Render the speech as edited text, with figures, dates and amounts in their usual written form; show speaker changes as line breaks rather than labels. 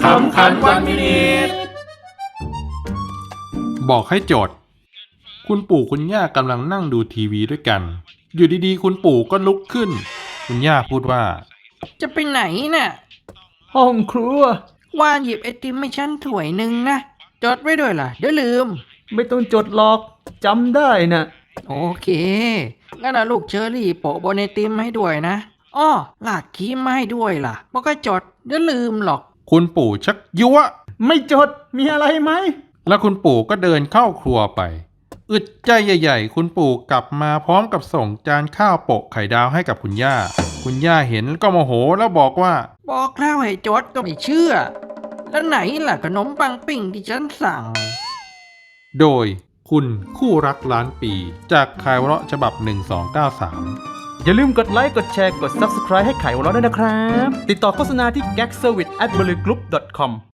ขำขันวันมินิทบอกให้จดคุณปู่คุณย่ากำลังนั่งดูทีวีด้วยกันอยู่ดีๆคุณปู่ก็ลุกขึ้นคุณย่าพูดว่า
จะไปไหนน่ะ
ห้องครัว
ว่าหยิบไอติมให้ฉันถ้วยหนึ่งนะจดไว้ด้วยล่ะเดี๋ยวลืม
ไม่ต้องจดหรอกจำได้นะ
โอเคงั้นนะลูกเชอรี่โปะบนไอติมให้ด้วยนะอ้อลากครีมมาให้ด้วยล่ะบอกก็จดเดี๋ยวลืมหรอก
คุณปู่ชักยั่ว
ไม่จดมีอะไรไหม
แล้วคุณปู่ก็เดินเข้าครัวไปอึดใจใหญ่ๆคุณปู่กลับมาพร้อมกับส่งจานข้าวโปะไข่ดาวให้กับคุณย่าคุณย่าเห็นก็โมโหแล้วบอกว่า
บอกแล้วให้จดก็ไม่เชื่อแล้วไหนล่ะขนมปังปิ้งที่ฉันสั่ง
โดยคุณคู่รักล้านปีจากข่าวเราะฉบับ1293
อย่าลืมกดไลค์กดแชร์กด Subscribe ให้ไขว่เราด้วยนะครับติดต่อโฆษณาที่ gagservice@berlygroup.com